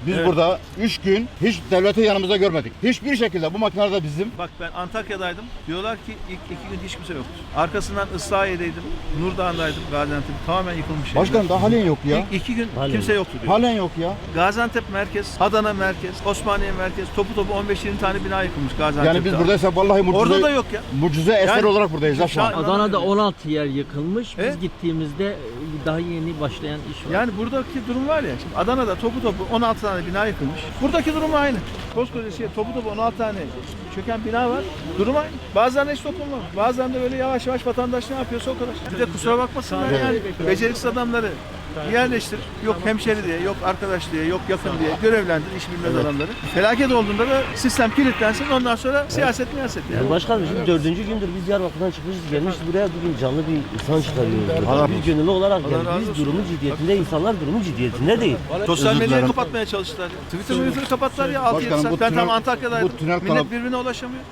Biz Evet. burada 3 gün hiç devleti yanımızda görmedik. Hiçbir şekilde bu makineler de bizim. Bak ben Antakya'daydım. Diyorlar ki ilk 2 gün hiç kimse yoktu. Arkasından Islahiye'deydim. Nurdağ'daydım. Gaziantep tamamen yıkılmış. Başkanım daha halen yok ya. İlk 2 gün Halen kimse yok. yoktu diyor. Halen yok ya. Gaziantep merkez, Adana merkez, Osmaniye merkez, topu 15-20 tane bina yıkılmış Gaziantep'te. Yani biz buradaysak vallahi Orada da yok ya. mucize eser Yani- olarak buradayız ha şu an. Adana'da 16 yer yıkılmış. Biz Evet. gittiğimizde daha yeni başlayan iş var. Yani buradaki durum var ya, şimdi Adana'da topu 16 tane bina yıkılmış. Buradaki durum aynı. Koskoca topu 16 tane çöken bina var. Durum aynı. Bazılarında hiç dokunmamış. Bazılarında böyle yavaş yavaş vatandaş ne yapıyorsa o kadar. Bir de kusura bakmasınlar yani. Beceriksiz adamları yerleştir. Yok hemşeri diye, yok arkadaş diye, yok yakın diye görevlendir iş bilmez adamları. Felaket olduğunda da sistem kilitlensin. Ondan sonra siyaset miyaset yani. Yani başkanım şimdi 4. gündür biz Diyarbakır'dan çıkmışız gelmişiz buraya bugün canlı bir insan çıkarıyoruz. Biz gönüllü olarak Allah geldik. razı Biz olsun. durumun ciddiyetinde, insanlar durumun ciddiyetinde değil. Sosyal Özür medyayı dilerim. kapatmaya çalıştılar. Twitter'ı kapattılar ya 6-7 Başkanım, saat. bu Ben tam tünel- Antakya'daydım. bu tünel Millet kanat- birbirine ulaşamıyor.